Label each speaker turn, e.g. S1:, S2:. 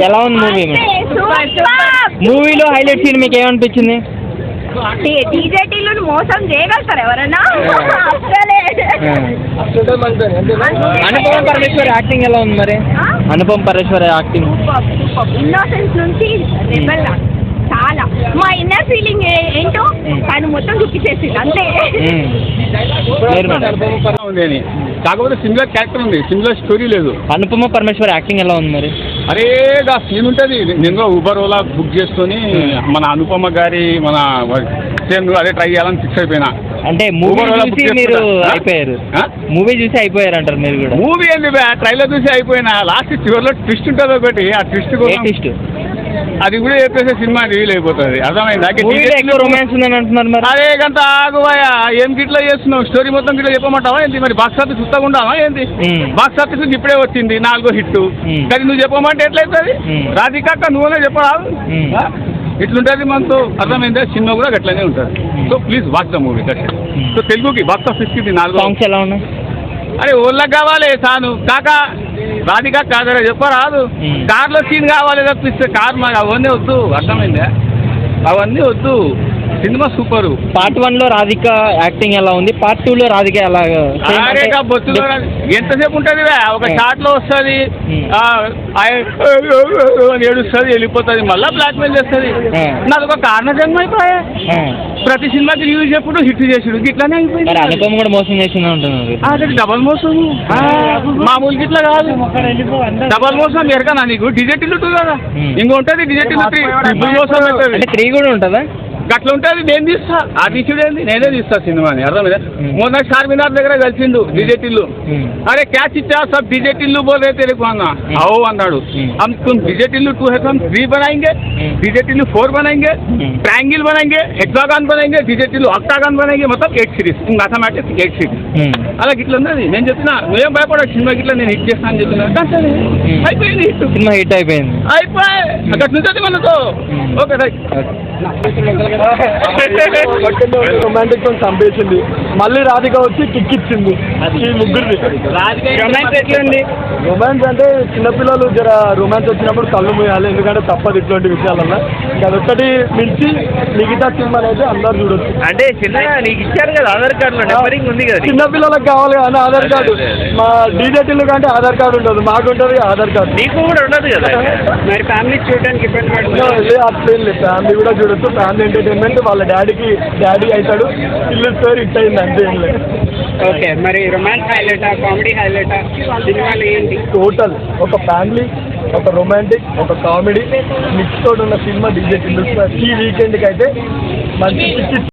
S1: ఎలా ఉంది మూవీ? మూవీలో హైలైట్ సీన్ మీకు ఏమనిపించింది?
S2: డీజేటీలను మోసం చేయగలుగుతారు ఎవరైనా?
S1: అనుపమ పరమేశ్వర్ యాక్టింగ్ ఎలా ఉంది మరి? అనుపమ పరమేశ్వర్ యాక్టింగ్
S2: ఇన్నోసెన్స్ నుంచి రెబెల్ చాలా మా ఇన్నర్ ఫీలింగ్ ఏంటో తను మొత్తం చూపించేసింది అంతే.
S3: కాకపోతే సిమిలర్ క్యారెక్టర్ ఉంది, సిమిలర్ స్టోరీ లేదు.
S1: అనుపమ పరమేశ్వర్ యాక్టింగ్ ఎలా ఉంది మరి?
S3: అరే ఆ సీన్ ఉంటుంది, నేను ఊబర్ ఓలా బుక్ చేసుకొని మన అనుపమ గారి మన సేమ్ అదే ట్రై చేయాలని ఫిక్స్ అయిపోయినా.
S1: అంటే మూవీ చూసి మీరు అయిపోయారు, మూవీ చూసి అయిపోయారు అంటారు మీరు కూడా?
S3: మూవీ ఏంది ట్రైలర్ చూసి అయిపోయినా, లాస్ట్ చివరిలో ట్విస్ట్ ఉంటుంది ఒకటి, ఆ ట్విస్ట్
S1: ట్విస్ట్
S3: అది కూడా చెప్పేసి సినిమా రివీల్ అయిపోతుంది. అర్థమైందా?
S1: రొమాన్స్ ఉందని అంటున్నారు మరి.
S3: అరే గంట ఆగువాయా, ఏం గిట్లా చేస్తున్నావు? స్టోరీ మొత్తం గిట్లా చెప్పమంటావా ఏంటి? మరి బాక్స్ ఆఫీస్ చూస్తాకుంటావా ఏంటి? బాక్స్ ఆఫీస్ ఇప్పుడే వచ్చింది 4వ హిట్, కానీ నువ్వు చెప్పమంటే ఎట్లయితుంది? రాధికాక నువ్వునే చెప్పరాదు, ఇట్లుంటుంది మనతో. అర్థమైందా? సినిమా కూడా గట్లనే ఉంటుంది. So please watch the movie. So తెలుగుకి బాక్స్ ఆఫీస్కి 4
S1: సాంగ్స్ ఎలా ఉన్నాయి?
S3: అరే ఓళ్ళకి కావాలి సాను కాకా, రాధికా కాదరా చెప్పరాదు. కార్లో సీన్ కావాలి తప్పిస్తే కార్ మాకు అవన్నీ వద్దు. అర్థమైందా? అవన్నీ వద్దు. Cinema super.
S1: పార్ట్ 1లో రాధిక యాక్టింగ్ ఎలా ఉంది? పార్ట్ 2లో రాధిక ఎలా?
S3: బొత్తులో ఎంతసేపు ఉంటుంది? ఒక షాట్ లో వస్తుంది, ఏడుస్తుంది, వెళ్ళిపోతుంది, మళ్ళీ బ్లాక్మెయిల్ చేస్తుంది. నాకు ఒక కారణ జన్మ అయిపోయా. ప్రతి సినిమాకి రివ్యూ చెప్పుడు హిట్ చేసాడు, ఇట్లానే అయిపోయింది.
S1: అనుపమ కూడా మోసం చేసింది అంటున్నారు.
S3: అదే డబల్ మోసం, మామూలు గిట్లా కాదు, డబల్ మోసం. ఎరకనా నీకు? డిజెటిల్ 2 కదా, ఇంకో ఉంటుంది డిజెటిల్ 3. ట్రిపుల్ మోసం
S1: అంటే 3 కూడా ఉంటుందా?
S3: అట్లా ఉంటుంది. నేను తీస్తా, ఆ తీసుడేంది నేనే తీస్తా సినిమాని. అర్థమైందా? మొన్న చార్మినార్ దగ్గర కలిసిండు డిజెటిల్లు. అరే క్యాచ్ ఇచ్చా సబ్ డిజెటిల్లు బోల్ రే तेरे को అన్నా. आओ అన్నాడు. हम तुम डिजेटिल्लू 2 है तो हम 3 बनाएंगे, डिजेटिल्लू 4 बनाएंगे, ट्रायंगल बनाएंगे, हेक्सागन बनाएंगे, डिजेटिल्लू ऑक्टागन बनाएंगे, मतलब 8 సిరీస్. Mathematics 8 series. అలా గిట్ల ఉన్నది. నేను చెప్పినా నువ్వేం భయపడవు, సినిమా గిట్లా నేను హిట్ చేస్తాను అని చెప్పిన. అయిపోయింది,
S1: సినిమా హిట్ అయిపోయింది.
S3: అయిపోయి అక్కడ నుంచి మనతో ఓకే రైట్.
S4: రొమాంటిక్ సాంగ్ చంపేసింది, మళ్ళీ రాధిక వచ్చి కిక్ ఇచ్చింది ఈ ముగ్గురిని. రొమాన్స్ అంటే చిన్నపిల్లలు జర రొమాన్స్ వచ్చినప్పుడు కళ్ళు మూయాలి, ఎందుకంటే తప్పదు ఇట్లాంటి విషయాలల్లో. అదొక్కటి మించి మిగతా సినిమాలు అయితే అందరు చూడొచ్చు.
S1: అంటే చిన్నగా నీకు ఇచ్చారు కదా ఆధార్ కార్డు నెంబరింగ్ ఉంది కదా,
S4: చిన్నపిల్లలకు కావాలి కానీ ఆధార్ కార్డు. మా డీజేటీలు కంటే ఆధార్ కార్డు ఉండదు, మాకు ఉంటుంది ఆధార్ కార్డు.
S1: నీకు కూడా ఉండదు కదా.
S4: మరి ఫ్యామిలీ చూడడానికి ఇబ్బంది పడుతుంది. అట్లేం లేదు, ఫ్యామిలీ కూడా చూడొచ్చు. ఫ్యామిలీ ఎంటర్టైన్మెంట్, వాళ్ళ డాడీకి డాడీ అవుతాడు, ఇల్లు స్టోరీ హిట్ అయింది అంతే. ఏం లేదు.
S5: ఓకే, మరి రొమాన్స్ హైలైటా, కామెడీ హైలైటా, సినిమాలు ఏంటి?
S4: టోటల్ ఒక ఫ్యామిలీ, ఒక రొమాంటిక్, ఒక కామెడీ మిక్స్ తోటి ఉన్న సినిమా డీజే టిల్లు. ఈ వీకెండ్కి అయితే మంచి